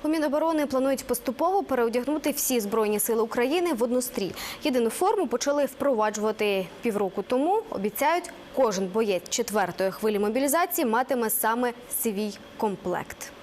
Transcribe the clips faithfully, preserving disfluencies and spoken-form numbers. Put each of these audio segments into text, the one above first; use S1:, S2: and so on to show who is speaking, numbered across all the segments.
S1: У Міноборони планують поступово переодягнути всі Збройні сили України в однострій. Єдину форму почали впроваджувати півроку тому. Обіцяють, кожен боєць четвертої хвилі мобілізації матиме саме свій комплект.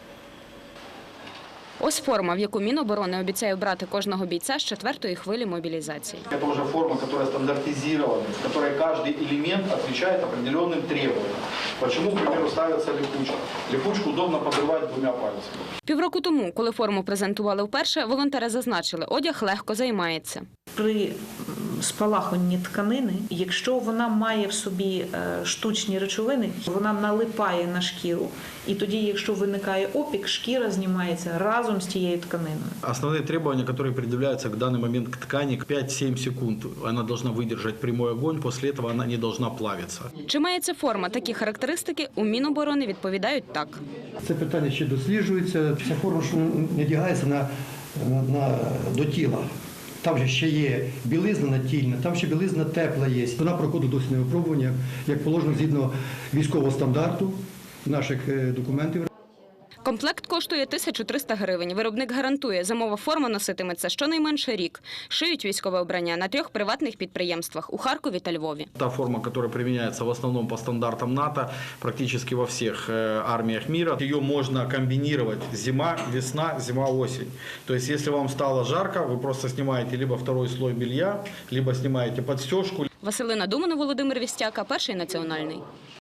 S2: Ось форма, в яку Міноборони обіцяє брати кожного бійця з четвертої хвилі мобілізації.
S3: Це вже форма, яка стандартизована, в якій кожен елемент відповідає определенним требуванням. Чому, наприклад, ставиться липучка? Липучку удобно підривати двома пальцями.
S2: Півроку тому, коли форму презентували вперше, волонтери зазначили, одяг легко займається.
S4: При спалахуванні тканини, якщо вона має в собі штучні речовини, вона налипає на шкіру. І тоді, якщо виникає опік, шкіра знімається разом з тією тканиною.
S5: Основные требования, которые предъявляются к данный момент к ткани, пять-семь секунд. Она должна выдержать прямой огонь, после этого она не должна плавиться.
S2: Чи має ця форма такі характеристики, у Міноборони відповідають так.
S6: Це питання ще досліджується. Ця форма що не одягається на, на, на, до тіла. Там же ще є білизна натільна, там ще білизна тепла є. Вона проходить досвідне випробування, як положено згідно військового стандарту наших документів.
S2: Комплект коштує тисячу триста гривень. Виробник гарантує, зимова форма носитиметься щонайменше рік. Шиють військове обрання на трьох приватних підприємствах – у Харкові та Львові.
S5: Та форма, которая применяется в основном по стандартам НАТО, практически во всех армиях мира. Ее можно комбинировать зима, весна, зима, осень. То есть, если вам стало жарко, вы просто снимаете либо второй слой белья, либо снимаете подстежку.
S2: Василина Думана, Володимир Вістяка, Перший національний.